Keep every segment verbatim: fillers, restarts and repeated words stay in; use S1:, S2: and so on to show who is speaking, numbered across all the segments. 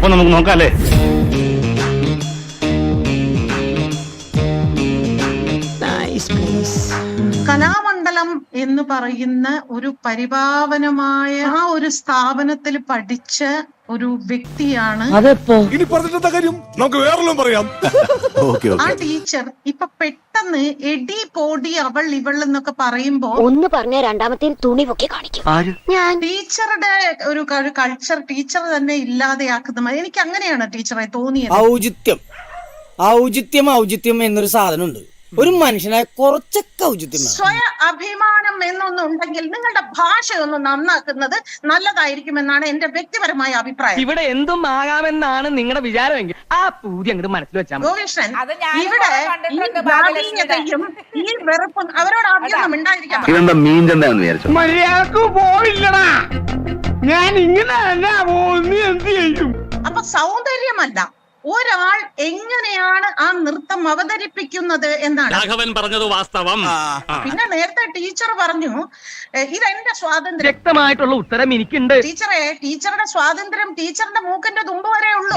S1: അപ്പൊ നമുക്ക് നോക്കാം അല്ലേ?
S2: കലാമണ്ഡലം എന്ന് പറയുന്ന ഒരു പരിപാവനമായ ആ ഒരു സ്ഥാപനത്തിൽ പഠിച്ച ഒരു വ്യക്തിയാണ്.
S3: ഇനി പറഞ്ഞിട്ടെന്താ കാര്യം, നമുക്ക് വേറെല്ലാം പറയാം.
S2: ആ ടീച്ചർ ഇപ്പൊ പെട്ടെന്ന് എടി പോടി അവൾ ഇവൾ എന്നൊക്കെ പറയുമ്പോ
S4: ഒന്ന് പറഞ്ഞ രണ്ടാമത്തെ തുണി പൊക്കി കാണിക്കും. ഞാൻ
S2: ടീച്ചറുടെ ഒരു കൾച്ചർ ടീച്ചർ തന്നെ ഇല്ലാതെയാക്കുന്ന എനിക്ക് അങ്ങനെയാണ് ടീച്ചറെ തോന്നിയത്.
S5: ഔചിത്യം ഔചിത്യം ഔചിത്യം എന്നൊരു സാധനമുണ്ട്. ഒരു മനുഷ്യനായ കുറച്ചൊക്കെ ഔചിത്യം.
S2: സ്വയ അഭിമാനം എന്നൊന്നുണ്ടെങ്കിൽ നിങ്ങളുടെ ഭാഷ ഒന്ന് നന്നാക്കുന്നത് നല്ലതായിരിക്കുമെന്നാണ് എന്റെ വ്യക്തിപരമായ അഭിപ്രായം.
S6: ഇവിടെ എന്തും ആകാമെന്നാണ് നിങ്ങളുടെ വിചാരമെങ്കിൽ ആ പൂതി അങ്ങോട്ട് മനസ്സിൽ വെച്ചാൽ
S2: ഗോവിഷ്ണൻ, ഇവിടെ ഈ ജാതീയതയും ഈ വെറുപ്പും അവരോട് ആദ്യം ഉണ്ടായിരിക്കണം.
S1: ഇതെന്താ മീൻ ചന്തയാണെന്ന് വിചാരിച്ചു?
S6: മര്യാദക്ക് പോയില്ലടാ, ഞാൻ ഇങ്ങനെ എന്ത് ചെയ്യും?
S2: അപ്പൊ സൗന്ദര്യമല്ല, ഒരാൾ എങ്ങനെയാണ് ആ നൃത്തം അവതരിപ്പിക്കുന്നത് എന്നാണ്.
S1: രാഘവൻ പറഞ്ഞത് വാസ്തവം.
S2: പിന്നെ നേരത്തെ ടീച്ചർ പറഞ്ഞു ഇതെന്റെ സ്വാതന്ത്ര്യം.
S6: വ്യക്തമായിട്ടുള്ള ഉത്തരം എനിക്കുണ്ട്
S2: ടീച്ചറെ, ടീച്ചറുടെ സ്വാതന്ത്ര്യം ടീച്ചറിന്റെ മൂക്കിന്റെ തുമ്പ് വരെ ഉള്ളൂ.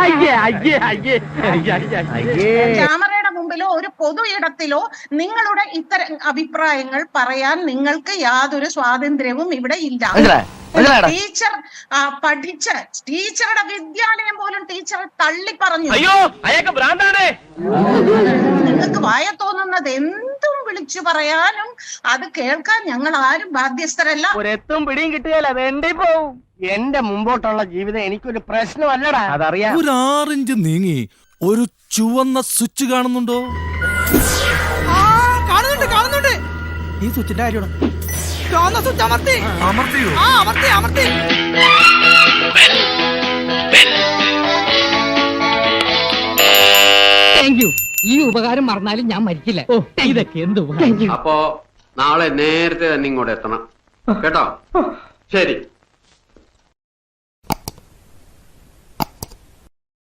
S2: ക്യാമറയുടെ മുമ്പിലോ ഒരു പൊതു ഇടത്തിലോ നിങ്ങളുടെ ഇത്തരം അഭിപ്രായങ്ങൾ പറയാൻ നിങ്ങൾക്ക് യാതൊരു സ്വാതന്ത്ര്യവും ഇവിടെ ഇല്ല. ടീച്ചർ പഠിച്ച ടീച്ചറുടെ വിദ്യാലയം പോലും ടീച്ചർ തള്ളി പറഞ്ഞു.
S6: അയ്യോ അയാൾക്ക് ഭ്രാന്താണ്.
S2: നിങ്ങൾക്ക് വായ തോന്നുന്നത് എന്തും വിളിച്ചു പറയാനും അത് കേൾക്കാൻ ഞങ്ങൾ ആരും ബാധ്യസ്ഥരല്ല.
S6: ഒരെത്തും പിടിയും കിട്ടുകയല്ല, വേണ്ടി പോവും. എന്റെ മുമ്പോട്ടുള്ള ജീവിതം എനിക്കൊരു പ്രശ്നമല്ലടാ, അതറിയാം.
S3: ഒരു ആറിഞ്ച് നീങ്ങി ഒരു ചുവന്ന സ്വിച്ച് കാണുന്നുണ്ടോ?
S5: കാണുന്നുണ്ട് കാണുന്നുണ്ട്. ഈ സ്വിച്ചിന്റെ കാര്യമാണ്.
S3: അമർത്തിയോ?
S6: Thank you. ഈ ഉപകാരം മറന്നാലും ഞാൻ മരിക്കില്ല. ഇതൊക്കെ എന്ത്
S7: അപ്പോ നാളെ നേരത്തെ തന്നെ ഇങ്ങോട്ട് എത്തണം കേട്ടോ. ശരി.